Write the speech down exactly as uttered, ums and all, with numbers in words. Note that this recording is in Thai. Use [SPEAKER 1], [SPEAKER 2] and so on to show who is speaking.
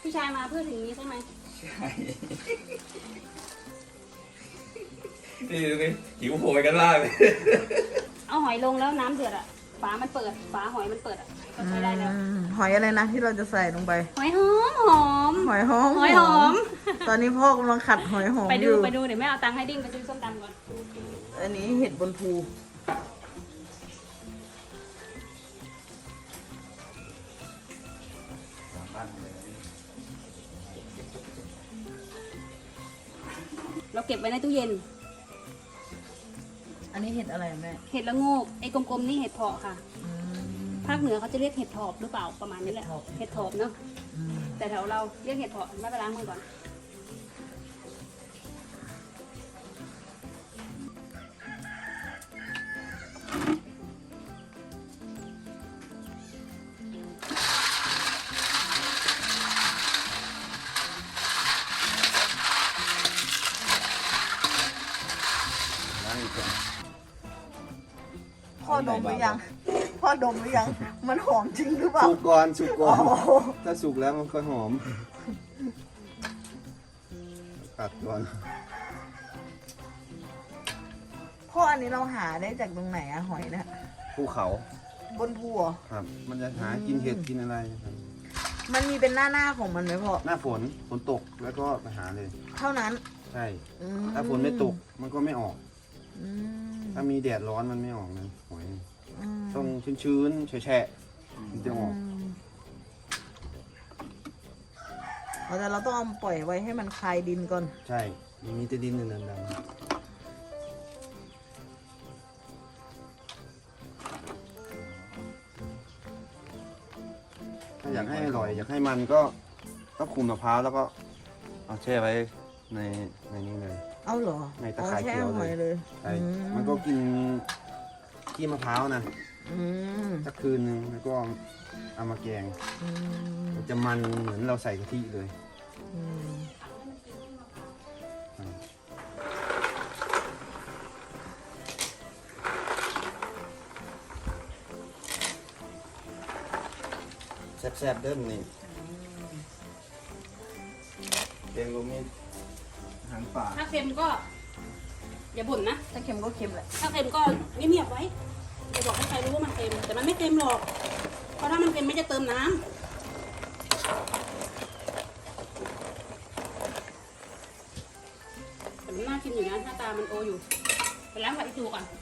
[SPEAKER 1] พี่ชายมาเพื่อถึงนี้ใช่ไหม
[SPEAKER 2] ใช่นี่ดูดิหิวโหยกันมากเลย
[SPEAKER 1] เอาหอยลงแล้วน้ำเดือดอ่ะฝามันเปิดฝาหอยมันเปิดอ่ะก็ใช้ได้แล้ว
[SPEAKER 3] อืมหอยอะไรนะที่เราจะใส่ลงไป
[SPEAKER 1] หอยหอมหอม
[SPEAKER 3] หอยหอม
[SPEAKER 1] หอยหอม
[SPEAKER 3] ตอนนี้พ่อกำลังขัดหอยหอม
[SPEAKER 1] ไป
[SPEAKER 3] อ
[SPEAKER 1] ดู
[SPEAKER 3] ยู่
[SPEAKER 1] ไปดูเดี๋ยวแม่เอาตังค์ให้ดิ้งไปซื้อส้มตำก่อน
[SPEAKER 3] อันนี้เห็ดบนภู
[SPEAKER 1] เราเก็บไว้ในตู้เย็น
[SPEAKER 3] อันนี้เห็ดอะไรแม่
[SPEAKER 1] เห็ดละโงกไอ้กลมๆนี่เห็ดเพาะค่ะ
[SPEAKER 3] อืม
[SPEAKER 1] ภาคเหนือเขาจะเรียกเห็ดถอบหรือเปล่าประมาณนี้แหละ
[SPEAKER 3] เห็ดถอบ
[SPEAKER 1] เห็ดถอบเนาะ
[SPEAKER 3] อืม
[SPEAKER 1] แต่แถวเราเรียกเห็ดเพาะไม่ไปล้างมือก่อน
[SPEAKER 3] พ่อดมหรือยัง พ่อดมหรือยัง มันหอมจริงหรือเปล่า
[SPEAKER 4] สุกก่อนสุกก่อน
[SPEAKER 3] อ๋อ
[SPEAKER 4] ถ้าสุกแล้วมันค่อยหอมตัดก่อน
[SPEAKER 3] พ่ออันนี้เราหาได้จากตรงไหนอะหอยเนะ
[SPEAKER 4] ภูเขา
[SPEAKER 3] บนภูเหรอ
[SPEAKER 4] ครับ มันจะหากินเห็ดกินอะไรครับ
[SPEAKER 3] มันมีเป็นหน้าหน้าๆของมันไหมพ่อ
[SPEAKER 4] หน้าฝนฝนตกแล้วก็ไปหาเลย
[SPEAKER 3] เท่านั้น
[SPEAKER 4] ใช่
[SPEAKER 3] อื
[SPEAKER 4] ถ้าฝนไม่ตกมันก็ไม่ออก
[SPEAKER 3] อืม
[SPEAKER 4] ถ้ามีแดดร้อนมันไม่ออกนะหอย
[SPEAKER 3] อืม
[SPEAKER 4] ต้องชื้นๆแฉะๆมันจะออก
[SPEAKER 3] มเอาแต่เราต้องเอาปล่อยไว้ให้มันคลายดินก่อน
[SPEAKER 4] ใช่มีแต่ดินดำๆถ้าอยากให้อร่อย อยากให้มันก็ต้องขูดมะพร้าวแล้วก็เอาแช่ไว้ในในนี้เลย
[SPEAKER 3] เอาเหรอ
[SPEAKER 4] ในตะไคร้
[SPEAKER 3] อ๋อแช่
[SPEAKER 4] เขียว
[SPEAKER 3] ห
[SPEAKER 4] เล
[SPEAKER 3] อย
[SPEAKER 4] ย
[SPEAKER 3] เลย
[SPEAKER 4] ใช่
[SPEAKER 3] อื
[SPEAKER 4] มันก็กินขี้มะพร้าวนะ
[SPEAKER 3] อืม
[SPEAKER 4] สักคืนนึงแล้วก็เอามาแกง
[SPEAKER 3] อืม
[SPEAKER 4] มันจะมันเหมือนเราใส่กะทิเลย
[SPEAKER 3] อืม
[SPEAKER 4] แซ่บๆเด้อมอนี่แกงลมนี่หางป่า
[SPEAKER 1] ถ้าเค็มก็อย่าบ่นนะ
[SPEAKER 3] ถ้าเค็มก็เค็มแหละ
[SPEAKER 1] ถ้าเค็มก็เงียบๆไว้อย่าบอกให้ใครรู้ว่ามันเค็มแต่มันไม่เค็มหรอกเพราะถ้ามันเค็มไม่จะเติมน้ำแต่มันน่ากินอยู่นะหน้าตามันโออยู่ไปล้างผักอีตูก่อน